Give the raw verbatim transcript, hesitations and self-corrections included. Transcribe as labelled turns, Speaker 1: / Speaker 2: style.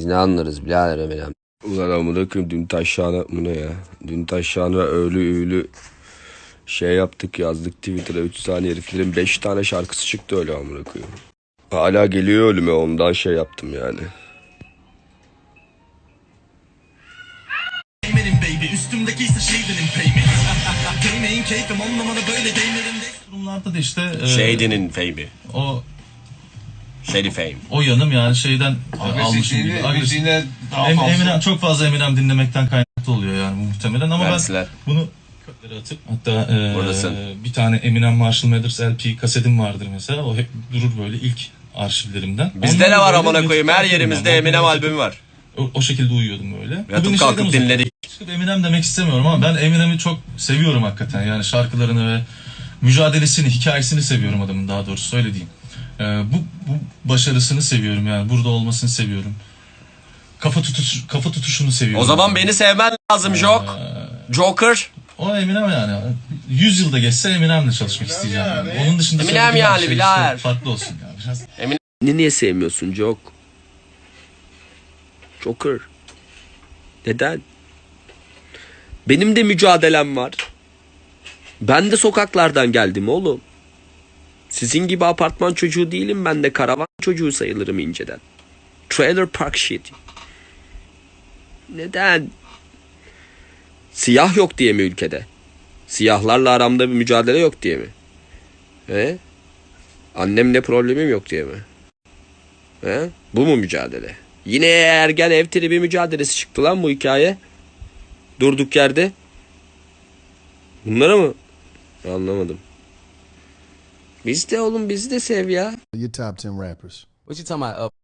Speaker 1: Biz ne anlarız birader Eminem. Ulan amına koyayım dün taşağına bu ne ya? Dün taşağına öğlü üğlü şey yaptık yazdık Twitter'a üç saniye heriflerin beş tane şarkısı çıktı öyle amına koyayım. Hala geliyor ölüme ondan şey yaptım yani.
Speaker 2: Baby üstümdeki ise şeydenin payment. Değmeyin keyfim on numara böyle değmelerinde. Durumlarda da işte e,
Speaker 3: Shady'nin fame'i.
Speaker 2: o
Speaker 3: Shady fame.
Speaker 2: o yanım yani şeyden e, almışım gibi. Agresif. Em, Eminem çok fazla Eminem dinlemekten kaynaklı oluyor yani bu muhtemelen ama
Speaker 3: Versiler.
Speaker 2: ben bunu köklere atıp hatta e,
Speaker 3: Buradasın.
Speaker 2: bir tane Eminem Marshall Mathers L P kasetim vardır mesela. O hep durur böyle ilk arşivlerimden.
Speaker 3: Bizde
Speaker 2: Ondan
Speaker 3: ne var
Speaker 2: böyle
Speaker 3: amına koyayım? Her
Speaker 2: YouTube'da
Speaker 3: yerimizde
Speaker 2: dinliyorum.
Speaker 3: Eminem
Speaker 2: O-
Speaker 3: albümü var.
Speaker 2: O, o şekilde uyuyordum böyle. Bu
Speaker 3: Yatıp
Speaker 2: beni
Speaker 3: kalkıp
Speaker 2: şeyden uzak-
Speaker 3: dinledik.
Speaker 2: Çıkıp Eminem demek istemiyorum ama ben Eminem'i çok seviyorum hakikaten. Yani şarkılarını ve mücadelesini, hikayesini seviyorum adamın daha doğrusu öyle diyeyim. Ee, bu, bu başarısını seviyorum yani. Burada olmasını seviyorum. Kafa tutuş kafa tutuşunu seviyorum.
Speaker 3: O zaman beni sevmen lazım Jok. Joker.
Speaker 2: O Eminem yani. yüz yılda geçse Eminem'le çalışmak isteyeceğim. Yani. Onun dışında
Speaker 3: Eminem
Speaker 2: söylediğim her
Speaker 3: yani,
Speaker 2: şey
Speaker 3: birader.
Speaker 2: işte farklı olsun ya biraz.
Speaker 1: Beni niye sevmiyorsun Jok? Joker. Neden? Benim de mücadelem var. Ben de sokaklardan geldim oğlum. Sizin gibi apartman çocuğu değilim, ben de karavan çocuğu sayılırım inceden. Trailer park shit. Neden? Siyah yok diye mi ülkede? Siyahlarla aramda bir mücadele yok diye mi? He? Annemle problemim yok diye mi? He? Bu mu mücadele? Yine ergen ev tribi mücadelesi çıktı lan bu hikaye. Durduk yerde. Bunlara mı? Anlamadım. Biz de oğlum bizi de sev ya.
Speaker 4: Your top ten rappers.
Speaker 5: What you talking about? Uh,